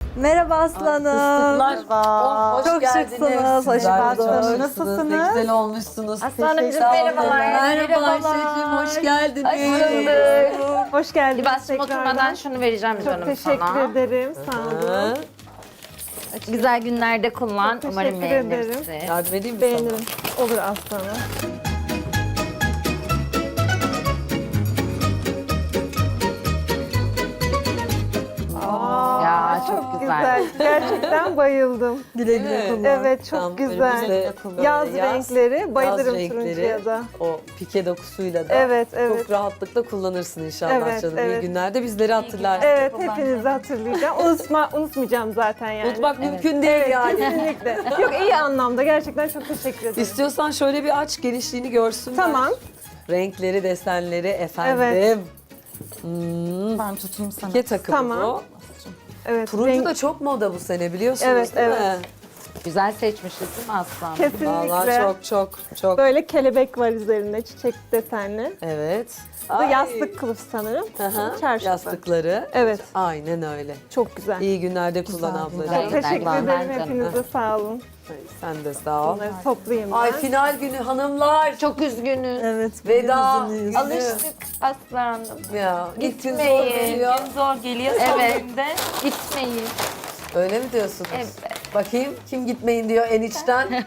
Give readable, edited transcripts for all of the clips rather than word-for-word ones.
Merhaba aslanım. Merhaba. Hoş Çok geldiniz. şıksınız. Hoş Sizler de bulduk. çok Nasılsınız? Ne güzel olmuşsunuz. Aslanımcığım Sağ olun. merhabalar. Merhabalar şefim, hoş geldiniz. Hoş bulduk. Hoş geldiniz. Libas'cığım tekrardan. oturmadan şunu vereceğim Çok canım teşekkür sana. ederim. Sağ olun. Güzel günlerde kullan. Çok Umarım teşekkür ederim. beğenirsin. Yardım edeyim mi Beğenirim. Olur aslanım. Ya çok güzel. Gerçekten bayıldım. Güle güle kullan. Evet çok Tam güzel. önümüzde Yaz renkleri. Bayılırım yaz turuncuya da. O pike dokusuyla da Evet, evet. çok rahatlıkla kullanırsın inşallah Evet, canım. İyi evet. günlerde bizleri hatırlarsın. Evet hepinizi hatırlayacağım. Unutmayacağım zaten yani. Unutmak mümkün değil yani. Kesinlikle. Yok iyi anlamda. Gerçekten çok teşekkür ederim. İstiyorsan şöyle bir aç, genişliğini görsünler. Tamam. Renkleri, desenleri efendim. Evet. Ben tutayım sana. Pike takımı Tamam. bu. Evet. Turuncu renk- da çok moda bu sene biliyorsunuz Evet, değil mi? evet. Güzel seçmişiz değil mi Aslan? Kesinlikle. Vallahi çok. Böyle kelebek var üzerinde çiçek desenli. Evet. Bu da Ay. yastık kılıf sanırım. Aha, Çarşafı. yastıkları. Evet. Aynen öyle. Çok güzel. İyi günlerde kullan Güzel, ablacığım. güzel. Çok teşekkür Güzel, ederim güzel. hepinize sağ olun. Ay, sen de sağ ol. Bunları toplayayım ben. Ay final günü hanımlar. Çok üzgünüz. Evet. Veda. Alıştık Aslanım. Ya ilk gün zor Gitmeyin. geliyor. Zor geliyor. Evet. Gitmeyin. Öyle mi diyorsunuz? Evet. Bakayım kim gitmeyin diyor en içten.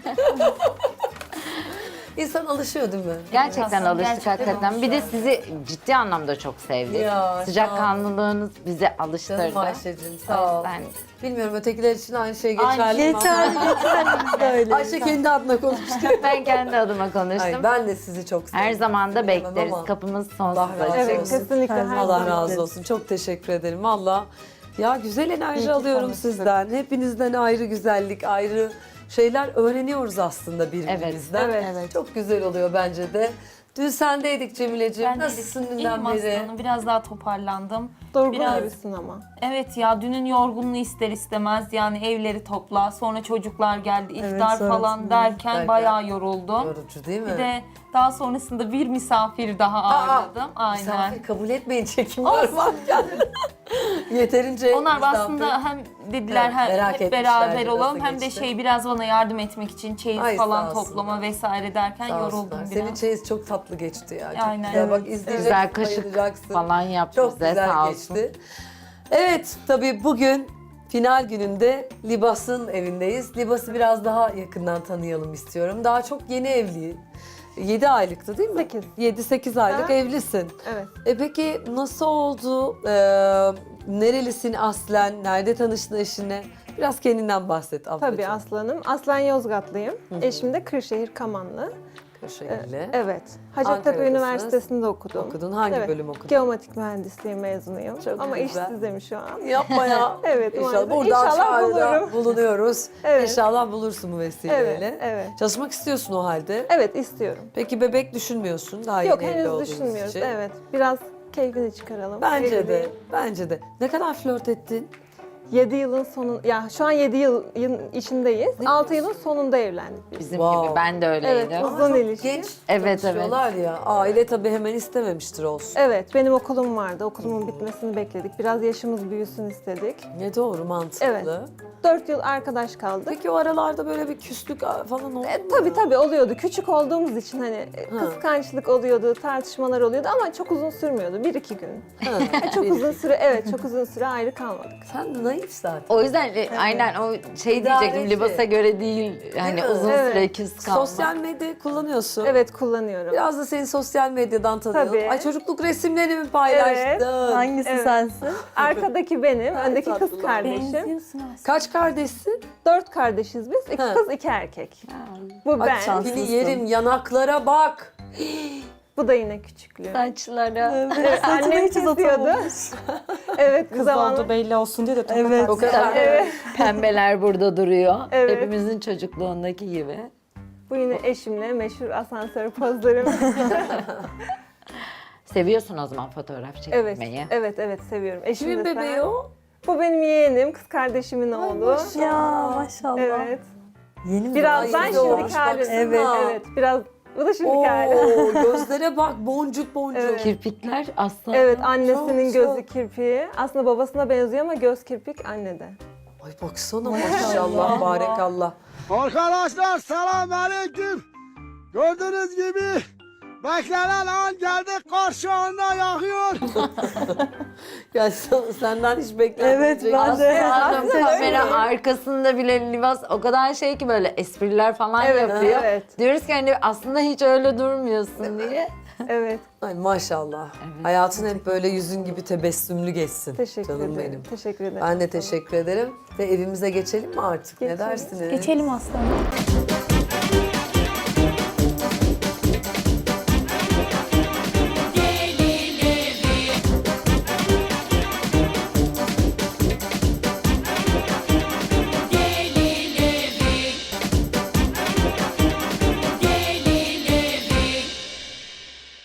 İnsan alışıyor değil mi? Gerçekten Aslan, alıştık gerçekten hakikaten. Bir de sizi ciddi anlamda çok sevdik. Ya, Sıcakkanlılığınız bizi Canım alıştırdı. Ayşe'cim O sağ ol. yüzden Bilmiyorum ötekiler için aynı şey geçerli mi? Geçerli de öyle. Ayşe kendi adına konuştu. ben kendi adıma konuştum. Ay, ben de sizi çok seviyorum. Her zaman da Bilemem bekleriz. ama Kapımız Allah sonsuz razı açık. Evet olsun. kesinlikle. her Allah zaman razı bekleriz. olsun. Çok teşekkür ederim. Valla ya güzel enerji alıyorum sizden. Hepinizden ayrı güzellik, ayrı şeyler öğreniyoruz aslında birbirimizden. Evet. Çok güzel oluyor bence de. Dün sendeydik Cemileciğim. Ben Nasılsın dünden İyiyim beri? aslanım. Biraz daha toparlandım. Durgun Biraz- gibisin ama. Evet ya dünün yorgunluğu ister istemez yani evleri topla sonra çocuklar geldi iftar falan derken bayağı yoruldum. Yorucu değil mi? Bir de daha sonrasında bir misafir daha ağırladım. Aynen. Misafir kabul etmeyin çekim var varken. Yeterince Onlar misafir. aslında hem dediler Evet, hem merak hep etmişlerdi beraber nasıl olalım hem de geçti. biraz bana yardım etmek için çeyiz Ay, sağ falan olsunlar. toplama vesaire derken Sağ yoruldum olsunlar. biraz. Senin çeyiz çok tatlı geçti ya. Çok Aynen. güzel. Bak Evet. izleyeceksin, Güzel kaşık bayılacaksın. falan yaptı Çok bize güzel sağ olsun. geçti. Evet, tabii bugün final gününde Libas'ın evindeyiz. Libas'ı biraz daha yakından tanıyalım istiyorum. Daha çok yeni evli. 7 aylıktı değil mi? 8. 7-8 aylık Ha. evlisin. Evet. Peki nasıl oldu? Nerelisin aslen? Nerede tanıştın eşine? Biraz kendinden bahset ablacığım. Tabii aslanım. Aslen Yozgatlıyım. Eşim de Kırşehir Kamanlı. Kırşehirli. Evet. Hacettepe Ankara'dasınız. Üniversitesi'nde okudum. Okudun. Hangi Evet. bölüm okudun? Geometrik mühendisliği mezunuyum. Çok Ama güzel. işsizim şu an. Yapma ya. Evet, İnşallah maalesef. buradan İnşallah çağrıda bulurum. bulunuyoruz. Evet. İnşallah bulursun bu vesileyle. Evet, evet. Çalışmak istiyorsun o halde. Evet istiyorum. Peki bebek düşünmüyorsun daha Yok yeni evli henüz olduğunuz düşünmüyoruz. için. Evet. Biraz keyfini çıkaralım. Bence Evli de, değil. bence de. Ne kadar flört ettin? 7 yılın sonu, ya şu an 7 yılın içindeyiz. Ne 6 diyorsun? yılın sonunda evlendik biz. Bizim Wow. gibi ben de öyleydim. Evet, uzun ilişki. Genç Evet, tanışıyorlar ya. Aile tabii hemen istememiştir olsun. Evet, benim okulum vardı. Okulumun bitmesini bekledik. Biraz yaşımız büyüsün istedik. Ne doğru, mantıklı. Evet. 4 yıl arkadaş kaldık. Peki o aralarda böyle bir küslük falan oldu mu? Tabii oluyordu. Küçük olduğumuz için hani kıskançlık oluyordu, tartışmalar oluyordu ama çok uzun sürmüyordu. 1-2 gün. Ha, Çok bir- uzun süre, evet çok uzun süre ayrı kalmadık. Sen de naif zaten. O yüzden aynen o şey İdareci. diyecektim libasa göre değil. Hani mi? uzun Evet. süre küs kalmak. Sosyal medya kullanıyorsun. Evet kullanıyorum. Biraz da seni sosyal medyadan tanıyalım. Tabii. Ay çocukluk resimleri mi paylaştın? Hangisi sensin? Arkadaki benim, öndeki kız tatlılar. kardeşim. Benziyorsun aslında. Kaç kardeşsin? 4 kardeşiz biz. 2 Ha. kız, 2 erkek. Bu Bak ben. tipini yerim, yanaklara bak. Bu da yine küçüklüğü. Saçlara. Evet, annem kesiyordu. Evet, Kız zamanla. oldu belli olsun diye de tokat Evet. O kadar. Evet. Pembeler burada duruyor. Evet. Hepimizin çocukluğundaki gibi. Bu yine eşimle meşhur asansör pozlarım. Seviyorsun o zaman fotoğraf evet, çekmeyi. evet seviyorum. Eşim Kimin de bebeği sen. o? Bu benim yeğenim, kız kardeşimin oğlu. Ya maşallah. Evet. Yeni mi? Birazdan Ay, güzel olmuş, şimdiki halim. baksana. Evet. Biraz bu da şimdiki hali. Oo, gözlere bak boncuk boncuk. Evet. Kirpikler aslında Evet, annesinin Çok, gözü çok. kirpiği. Aslında babasına benziyor ama göz kirpik annede. Ay baksana maşallah, barekallah. Arkadaşlar selamünaleyküm. Gördüğünüz gibi beklenen an geldi, karşı anda yakıyor. Ya senden hiç beklenmeyecek. Evet, ben de. Hanım Aslında kamera öyle. arkasında bile Libas o kadar şey ki böyle espriler falan Evet, yapıyor. evet. Diyoruz ki hani aslında hiç öyle durmuyorsun diye. Evet. Ay maşallah. Hayatın hep böyle yüzün gibi tebessümlü geçsin. Teşekkür Canım ederim. benim. Teşekkür ederim. Ben de teşekkür ederim. Ve evimize geçelim mi artık? Ne Geçelim. dersiniz? Geçelim aslanım.